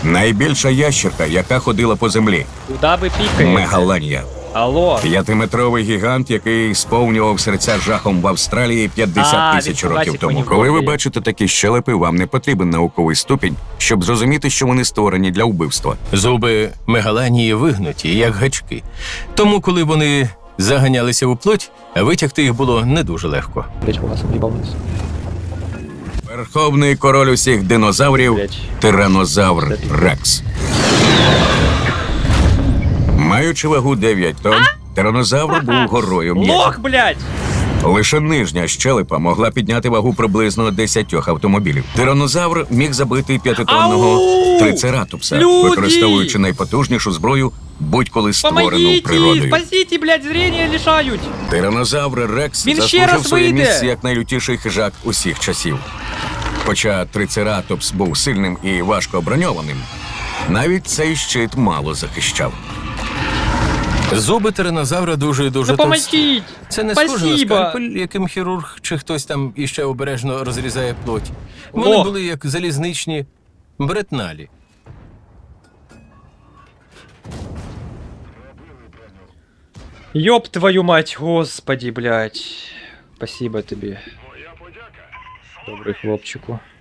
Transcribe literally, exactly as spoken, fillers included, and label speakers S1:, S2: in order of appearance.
S1: Найбільша ящерка, яка ходила по землі.
S2: Куда ви пікаєте?
S1: Мегаланія.
S2: Алло.
S1: П'ятиметровий гігант, який сповнював серця жахом в Австралії п'ятдесят
S2: А,
S1: тисяч
S2: він
S1: років
S2: побачив
S1: тому.
S2: мені в
S1: Коли ви
S2: голові.
S1: бачите такі щелепи, вам не потрібен науковий ступінь, щоб зрозуміти, що вони створені для вбивства.
S3: Зуби мегаланії вигнуті, як гачки. Тому, коли вони заганялися у плоть, витягти їх було не дуже легко.
S2: Блять, у вас об'їбав вниз.
S1: Верховний король усіх динозаврів
S2: Блядь.
S1: – тиранозавр Рекс. Маючи вагу дев'ять тонн, тиранозавр був горою м'язів.
S2: Лох, блять!
S1: Лише нижня щелепа могла підняти вагу приблизно десятьох автомобілів. Тиранозавр міг забити п'ятитонного
S2: Ау!
S1: трицератопса,
S2: Люди!
S1: використовуючи найпотужнішу зброю, будь-коли створену
S2: Помогите!
S1: природою.
S2: Спасите, блять, зрення лишають!
S1: Тиранозавр Рекс
S2: Він ще
S1: заслужив
S2: раз
S1: своє
S2: вийде!
S1: місце як найлютіший хижак усіх часів. Хоча трицератопс був сильним і важко оброньованим, навіть цей щит мало захищав.
S3: Зуби тиранозавра дуже і дуже товсті.
S2: Допоможіть!
S3: Це не схоже на
S2: Спасибо!
S3: скальпель, яким хірург чи хтось там іще обережно розрізає плоть. Вони
S2: О!
S3: були як залізничні бретналі.
S2: Ёб твою мать, господи, блять. Спасибо тобі. Добрий хлопчику.